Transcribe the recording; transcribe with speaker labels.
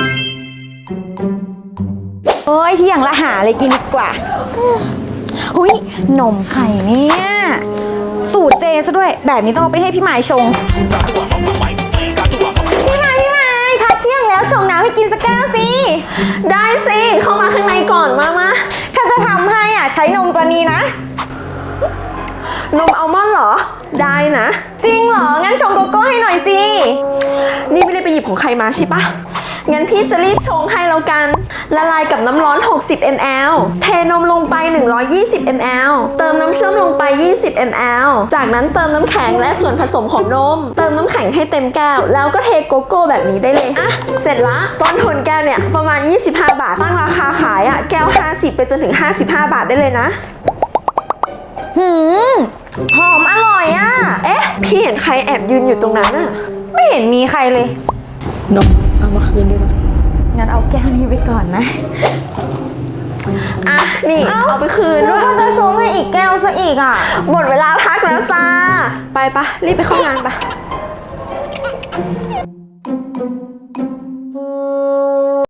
Speaker 1: โอ้ยที่อย่างละหาเลยกินดีกว่าหุยนมไข่เนี่ยสูตรเจซะด้วยแบบนี้ต้องเอาไปให้พี่หมายชงพี่หมายพักเที่ยงแล้วชงน้ำให้กินสักแก้วสิ
Speaker 2: ได้สิเข้ามาข้างในก่อนมา
Speaker 1: ถ้าจะทำให้ใช้นมตัวนี้นะ
Speaker 2: นมอัลมอนด์เหรอได้นะ
Speaker 1: จริงเหรองั้นชงโกโก้ให้หน่อยสิ
Speaker 2: นี่ไม่ได้ไปหยิบของใครมาใช่ปะงั้นพี่จะรีบชงให้แล้วกันละลายกับน้ำร้อน60 ml เทนมลงไป120 ml เติมน้ำเชื่อมลงไป20 ml จากนั้นเติมน้ำแข็งและส่วนผสมของนมเติมน้ำแข็งให้เต็มแก้วแล้วก็เทโกโก้แบบนี้ได้เลยอ่ะเสร็จละต้นทุนแก้วเนี่ยประมาณ25 บาทตั้งราคาขายแก้ว50ไปจนถึง55 บาทได้เลยนะ
Speaker 1: หอมอร่อย
Speaker 2: เอ๊ะพี่เห็นใครแอบยืนอยู่ตรงนั้น
Speaker 1: ไม่เห็นมีใครเลย
Speaker 2: นมเอามาคืนด้วยกัน
Speaker 1: งั้นเอาแก้วนี้ไปก่อนนะ
Speaker 2: นี่เอาไปคืน
Speaker 1: ด้วยแล้วก็จะชงให้อีกแก้วซะอีก
Speaker 2: หมดเวลาพักแล้วจ้าไปปะรีบไปเข้างานปะ